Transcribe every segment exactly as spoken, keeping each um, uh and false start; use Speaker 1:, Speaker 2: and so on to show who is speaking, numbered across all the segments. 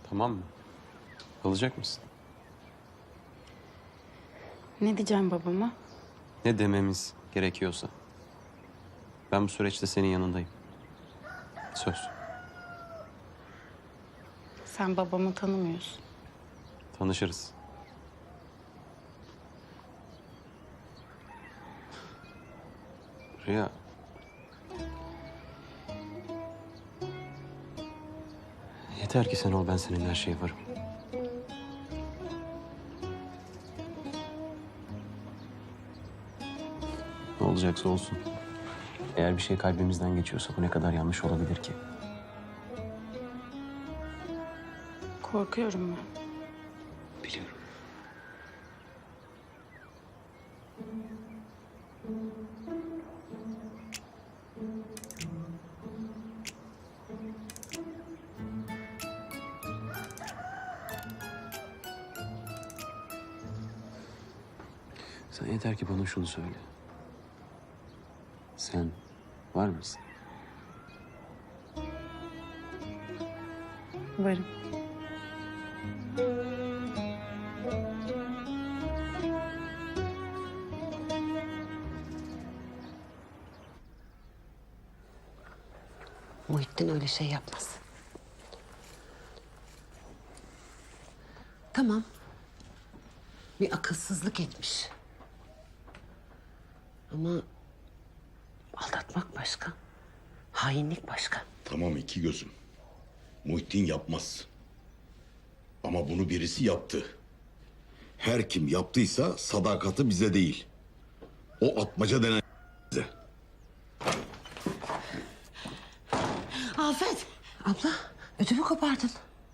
Speaker 1: Tamam mı? Kalacak mısın?
Speaker 2: Ne diyeceğim babama?
Speaker 1: Ne dememiz gerekiyorsa. Ben bu süreçte senin yanındayım. Söz.
Speaker 2: Sen babamı tanımıyorsun.
Speaker 1: Tanışırız. Rüya. Yeter ki sen ol, ben senin her şeye varım. Ne olacaksa olsun. Eğer bir şey kalbimizden geçiyorsa bu ne kadar yanlış olabilir ki?
Speaker 2: Korkuyorum ben.
Speaker 1: Biliyorum. Sen yeter ki bana şunu söyle. Sen var mısın?
Speaker 2: Varım.
Speaker 3: Muhittin öyle şey yapmaz. Tamam. Bir akılsızlık etmiş. Ama aldatmak başka. Hainlik başka.
Speaker 4: Tamam iki gözüm. Muhittin yapmaz. Ama bunu birisi yaptı. Her kim yaptıysa sadakati bize değil. O atmaca denen bize.
Speaker 3: Afet. Abla ödümü kopardın.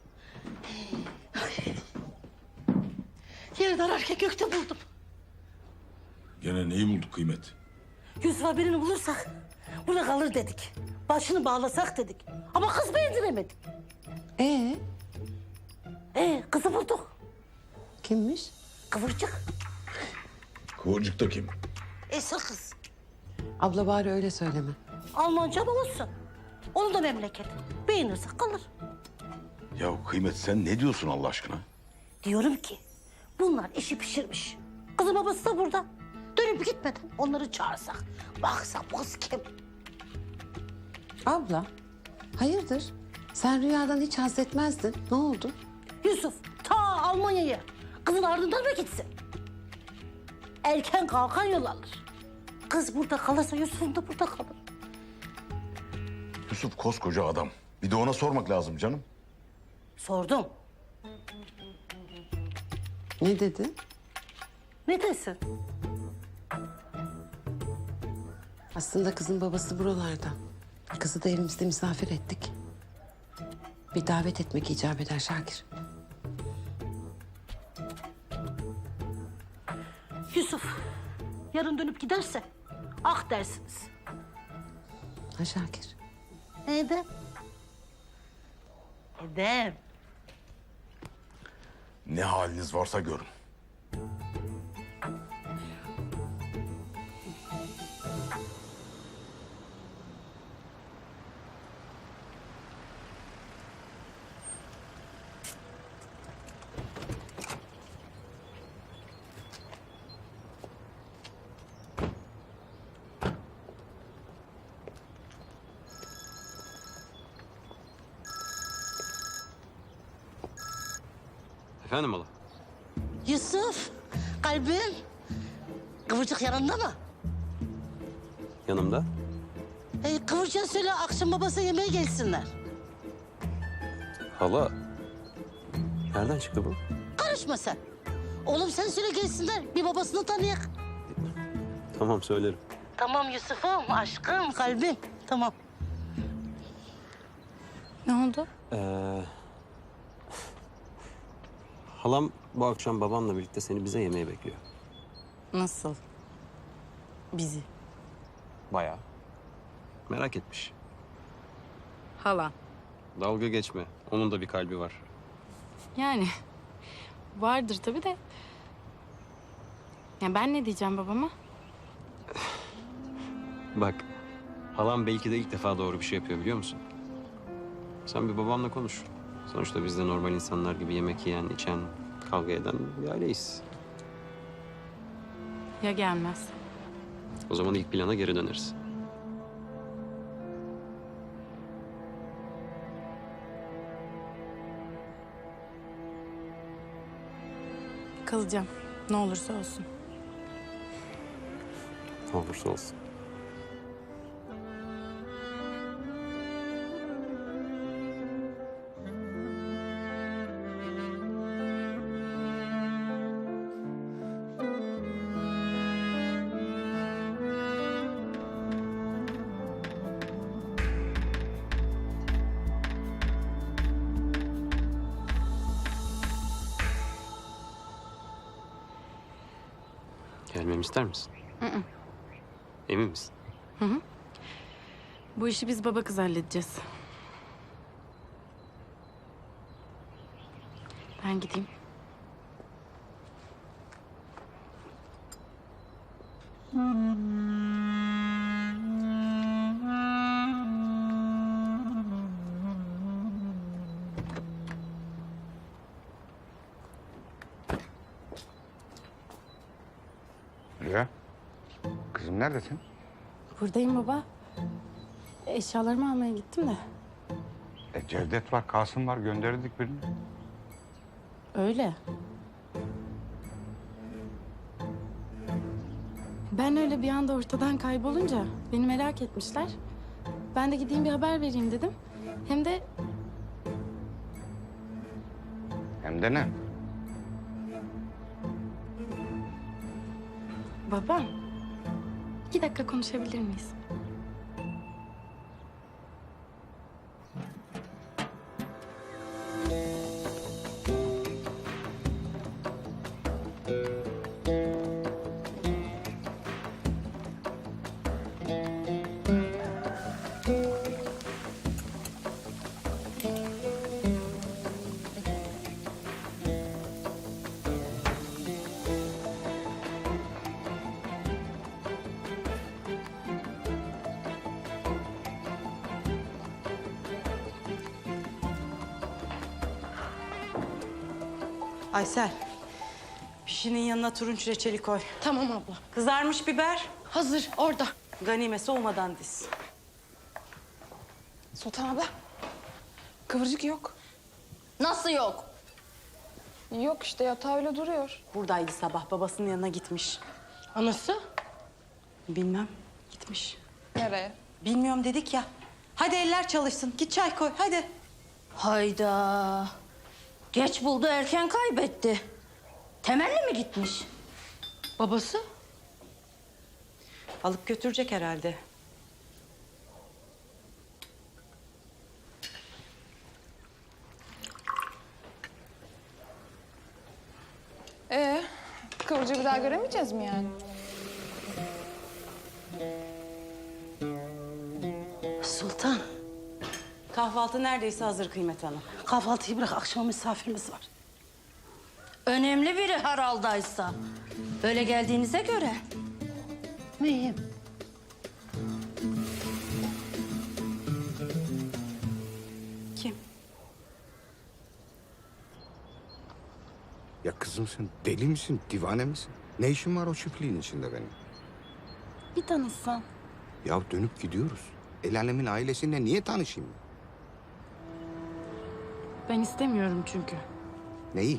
Speaker 5: Yerden erkek gökte buldum.
Speaker 4: Gene neyi bulduk kıymet?
Speaker 5: Yusuf'a birini bulursak burada kalır dedik. Başını bağlasak dedik. Ama kız beğendiremedik.
Speaker 3: Ee
Speaker 5: Ee kızı bulduk.
Speaker 3: kimmiş?
Speaker 5: Kıvırcık.
Speaker 4: Kıvırcık da kim?
Speaker 5: Esir kız.
Speaker 3: Abla bari öyle söyleme.
Speaker 5: Almanca da olsun. Onun da memleket. Beğenirse kalır.
Speaker 4: Ya kıymet sen ne diyorsun Allah aşkına?
Speaker 5: Diyorum ki bunlar işi pişirmiş. Kızın babası da burada. Dönüp gitmeden onları çağırsak. Baksak bu kız kim?
Speaker 3: Abla hayırdır? Sen rüyadan hiç haz etmezdin. Ne oldu?
Speaker 5: Yusuf ta Almanya'ya. Kızın ardından mı gitsin? Erken kalkan yol alır. Kız burada kalırsa Yusuf'un da burada kalır.
Speaker 4: Yusuf koskoca adam. Bir de ona sormak lazım canım.
Speaker 5: Sordum.
Speaker 3: Ne dedi?
Speaker 5: Ne desin?
Speaker 3: Aslında kızın babası buralarda. Kızı da evimizde misafir ettik. Bir davet etmek icap eder Şakir.
Speaker 5: Yusuf yarın dönüp giderse ah dersiniz.
Speaker 3: Ha Şakir?
Speaker 5: Edem. Edem.
Speaker 4: Ne haliniz varsa görün.
Speaker 1: Efendim hala?
Speaker 5: Yusuf kalbim. Kıvırcık yanında mı?
Speaker 1: Yanımda.
Speaker 5: E, Kıvırcık'a söyle akşam babası yemeğe gelsinler.
Speaker 1: Hala. Nereden çıktı bu?
Speaker 5: Karışma sen. Oğlum sen söyle gelsinler. Bir babasını tanıyak.
Speaker 1: Tamam, söylerim.
Speaker 5: Tamam Yusuf'um, aşkım, kalbim. Tamam.
Speaker 2: Ne oldu?
Speaker 1: Ee, halam bu akşam babamla birlikte seni bize yemeğe bekliyor.
Speaker 2: Nasıl? Bizi.
Speaker 1: Bayağı. Merak etmiş.
Speaker 2: Hala.
Speaker 1: Dalga geçme. Onun da bir kalbi var.
Speaker 2: Yani vardır tabii de. Ya ben ne diyeceğim babama?
Speaker 1: Bak, halam belki de ilk defa doğru bir şey yapıyor, biliyor musun? Sen bir babamla konuş. Sonuçta biz de normal insanlar gibi yemek yiyen, içen, kavga eden bir aileyiz.
Speaker 2: Ya gelmez?
Speaker 1: O zaman ilk plana geri döneriz.
Speaker 2: Kalacağım. Ne olursa olsun.
Speaker 1: Ne olursa olsun. Gelmemi ister misin? Emin misin?
Speaker 2: Bu işi biz baba kız halledeceğiz. Ben gideyim.
Speaker 6: Rüya, kızım neredesin?
Speaker 2: Buradayım baba. Eşyalarımı almaya gittim de.
Speaker 6: E, Cevdet var, Kasım var, gönderdik birini.
Speaker 2: Öyle. Ben öyle bir anda ortadan kaybolunca beni merak etmişler. Ben de gideyim bir haber vereyim dedim. Hem de
Speaker 6: Hem de ne?
Speaker 2: babam. İki dakika konuşabilir miyiz?
Speaker 7: Aysel, pişinin yanına turunç reçeli koy.
Speaker 5: Tamam abla.
Speaker 7: Kızarmış biber,
Speaker 5: Hazır orada.
Speaker 7: ganime soğumadan diz.
Speaker 8: Sultan abla. Kıvırcık yok.
Speaker 5: Nasıl yok?
Speaker 8: Yok işte yatağı öyle duruyor.
Speaker 7: Buradaydı sabah, babasının yanına gitmiş.
Speaker 5: Anası?
Speaker 7: Bilmem, gitmiş.
Speaker 8: Nereye?
Speaker 7: Bilmiyorum dedik ya. Hadi eller çalışsın, git çay koy, hadi.
Speaker 5: Hayda. Geç buldu erken kaybetti. Temelli mi gitmiş? Babası?
Speaker 7: Alıp götürecek herhalde.
Speaker 8: Ee, Kıvırcığı bir daha göremeyeceğiz mi yani?
Speaker 5: Sultan.
Speaker 7: Kahvaltı neredeyse hazır Kıymet Hanım.
Speaker 5: Kahvaltıyı bırak, akşama misafirimiz var. Önemli biri herhaldaysa. Böyle geldiğinize göre. Mühim.
Speaker 7: Kim?
Speaker 6: Ya kızım sen deli misin, divane misin? Ne işin var o çiftliğin içinde benim?
Speaker 2: Bir tanışsan.
Speaker 6: Ya dönüp gidiyoruz. El alemin ailesiyle niye tanışayım?
Speaker 2: Ben istemiyorum çünkü.
Speaker 6: Neyi?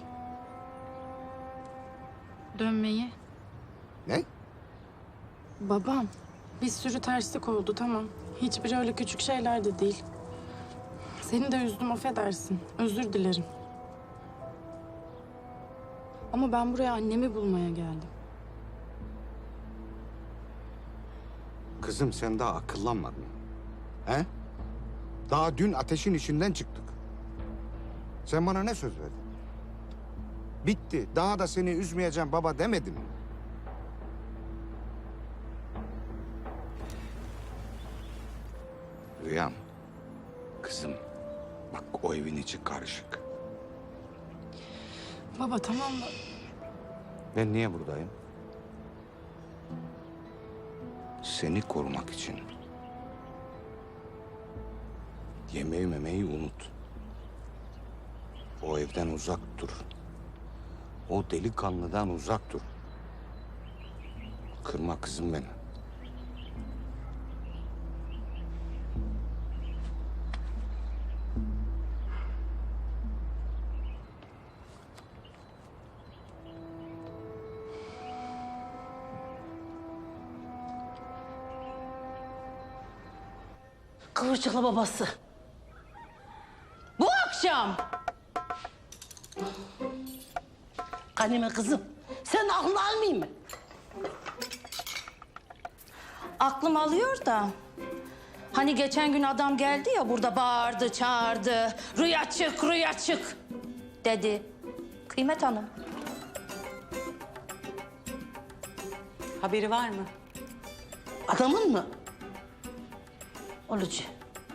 Speaker 2: Dönmeyi.
Speaker 6: Ne?
Speaker 2: Babam. Bir sürü terslik oldu tamam. Hiçbiri öyle küçük şeyler de değil. Seni de üzdüm affedersin. Özür dilerim. Ama ben buraya annemi bulmaya geldim.
Speaker 6: Kızım sen daha akıllanmadın. He? Daha dün ateşin içinden çıktık. Sen bana ne söz verdin? Bitti. Daha da seni üzmeyeceğim baba demedim mi? Rüyam. Kızım. Bak o evin içi karışık.
Speaker 2: Baba tamam da
Speaker 6: Ben niye buradayım? Seni korumak için. Yemeği memeyi unut. O evden uzak dur. O delikanlıdan uzak dur. Kırma kızım beni.
Speaker 5: Kıvırcıklı babası. Bu akşam. Kanime kızım, sen aklını almayayım mı?
Speaker 9: Aklım alıyor da. Hani geçen gün adam geldi ya burada bağırdı, çağırdı. Rüya çık, rüya çık dedi. Kıymet Hanım.
Speaker 7: Haberi var mı?
Speaker 5: Adamın mı? Olucu.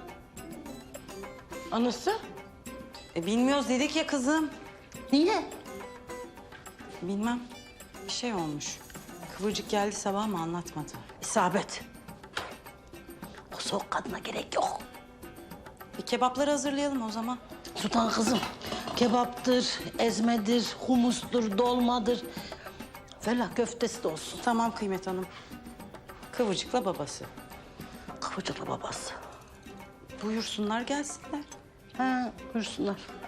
Speaker 5: Anası?
Speaker 7: E, bilmiyoruz dedik ya kızım.
Speaker 5: Niye?
Speaker 7: Bilmem. Bir şey olmuş. Kıvırcık geldi sabah ama anlatmadı.
Speaker 5: İsabet. O soğuk kadına gerek yok.
Speaker 7: Bir kebapları hazırlayalım o zaman.
Speaker 5: Sultan kızım, kebaptır, ezmedir, humustur, dolmadır. Fellah köftesi de olsun.
Speaker 7: Tamam Kıymet Hanım. Kıvırcıkla babası.
Speaker 5: Kıvırcıklı babası.
Speaker 7: Buyursunlar gelsinler.
Speaker 5: Ha, buyursunlar.